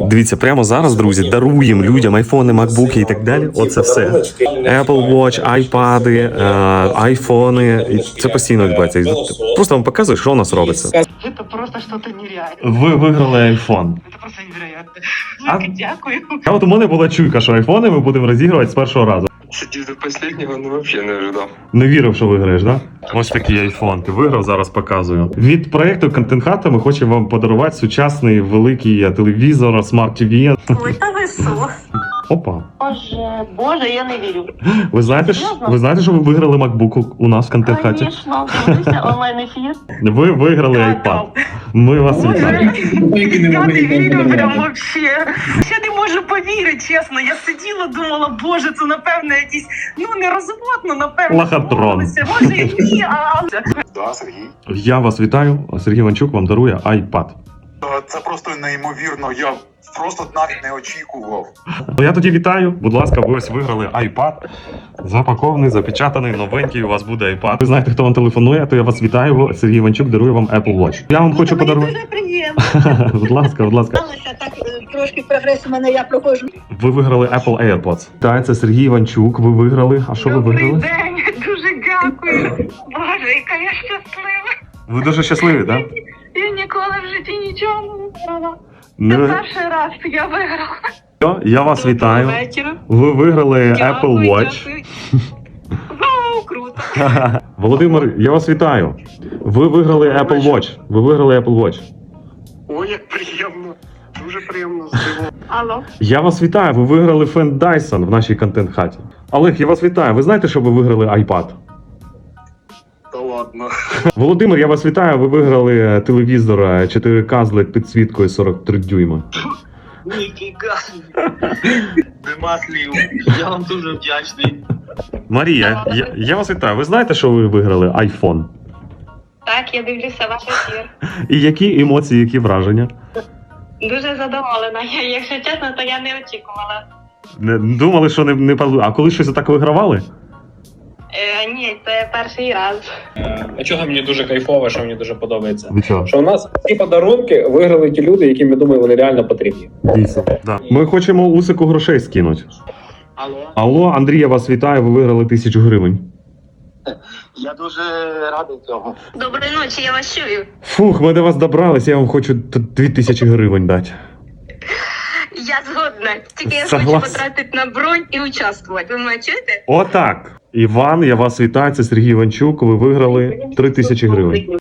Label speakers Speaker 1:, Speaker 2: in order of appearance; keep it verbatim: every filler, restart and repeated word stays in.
Speaker 1: Дивіться, прямо зараз, друзі, даруємо людям айфони, макбуки і так далі. Оце все. Apple Watch, айпади, айфони. І це постійно відбувається. Просто вам показую, що у нас робиться.
Speaker 2: Це просто щось нереальне.
Speaker 1: Ви виграли айфон.
Speaker 2: Це просто невероятно.
Speaker 1: А?
Speaker 2: Дякую.
Speaker 1: А от у мене була чуйка, що айфони ми будемо розігрувати з першого разу.
Speaker 3: Сидів до останнього, ну взагалі не ожидав.
Speaker 1: Не вірив, що виграєш, так? Да? Ось такий айфон. Ти виграв, зараз показую. Від проєкту Content Hut ми хочемо вам подарувати сучасний великий телевізор, Smart ті ві.
Speaker 2: Ой, та ви що?
Speaker 1: Опа.
Speaker 2: Боже, боже, я не вірю.
Speaker 1: Ви знаєте, ж- ви знаєте, що ви виграли MacBook у нас в Content Hut?
Speaker 2: Звісно, дивися онлайн-ефір.
Speaker 1: Ви виграли iPad. Ми вас вітаємо.
Speaker 2: Я не вірю прям вообще. Я не можу повірити, чесно. Я сиділа, думала, боже, це напевно якийсь, ну не розводно, напевно.
Speaker 1: Лохотрон.
Speaker 2: Може і ні, а...
Speaker 4: Да, Сергій.
Speaker 1: Я вас вітаю. Сергій Іванчук вам дарує iPad.
Speaker 4: Е, Це просто неймовірно. Я просто навіть не очікував.
Speaker 1: Ну, я тоді вітаю. Будь ласка, ви ось виграли iPad. Запакований, запечатаний, новенький. У вас буде iPad. Ви знаєте, хто вам телефонує, то я вас вітаю. Сергій Іванчук дарує вам Apple Watch. Я вам хочу подарувати.
Speaker 2: Дуже приємно.
Speaker 1: Будь ласка, будь ласка.
Speaker 2: Так, трошки прогрес у мене, я проходжу.
Speaker 1: Ви виграли Apple AirPods. Так, це Сергій Іванчук. Ви виграли. А що ви
Speaker 2: Добрий
Speaker 1: виграли?
Speaker 2: день, дуже дякую. Боже, яка я щаслива.
Speaker 1: Ви дуже щасливі, так?
Speaker 2: Я ніколи в житті нічого не виграла. Це
Speaker 1: Не...
Speaker 2: перший раз я виграла.
Speaker 1: Я вас вітаю.
Speaker 2: Вечора.
Speaker 1: Ви виграли
Speaker 2: Дякую,
Speaker 1: Apple Watch.
Speaker 2: дякую. Вау, круто.
Speaker 1: Володимир, я вас вітаю. Ви виграли Apple Watch. Ви виграли Apple Watch.
Speaker 3: Ой, як приємно. Дуже приємно здивовано.
Speaker 2: Алло.
Speaker 1: Я вас вітаю. Ви виграли фен Dyson в нашій контент-хаті. Олег, я вас вітаю. Ви знаєте, що ви виграли iPad?
Speaker 3: Та ладно.
Speaker 1: Володимир, я вас вітаю. Ви виграли телевізор чотири ка з лед підсвіткою сорок три дюйма.
Speaker 5: Ніфіга. Нема слів. Я вам дуже вдячний.
Speaker 1: Марія, я, я вас вітаю. Ви знаєте, що ви виграли iPhone?
Speaker 6: Так, я дивлюся ваш ефір.
Speaker 1: І які емоції, які враження?
Speaker 6: Дуже задоволена. Я, якщо чесно, то я не очікувала.
Speaker 1: Не думали, що не, не пал- А коли щось так вигравали?
Speaker 6: Е, ні, це перший раз.
Speaker 7: А чого мені дуже кайфово, що мені дуже подобається?
Speaker 1: Від чого?
Speaker 7: Що у нас ці подарунки виграли ті люди, яким, я думаю, вони реально потрібні.
Speaker 1: Дійсно. Да. Ми хочемо Усику грошей скинути.
Speaker 5: Алло.
Speaker 1: Алло, Андрій, я вас вітаю. Ви виграли тисячу гривень.
Speaker 5: Я дуже радий цього.
Speaker 6: Доброї ночі, я вас чую.
Speaker 1: Фух, ми до вас добрались, я вам хочу т- дві тисячі гривень дати.
Speaker 6: Я згодна. Тільки я
Speaker 1: Согласен.
Speaker 6: хочу потратити на бронь і участвувати. Ви мене чуєте?
Speaker 1: Отак. Іван, я вас вітаю. Це Сергій Іванчук. Ви виграли три тисячі гривень.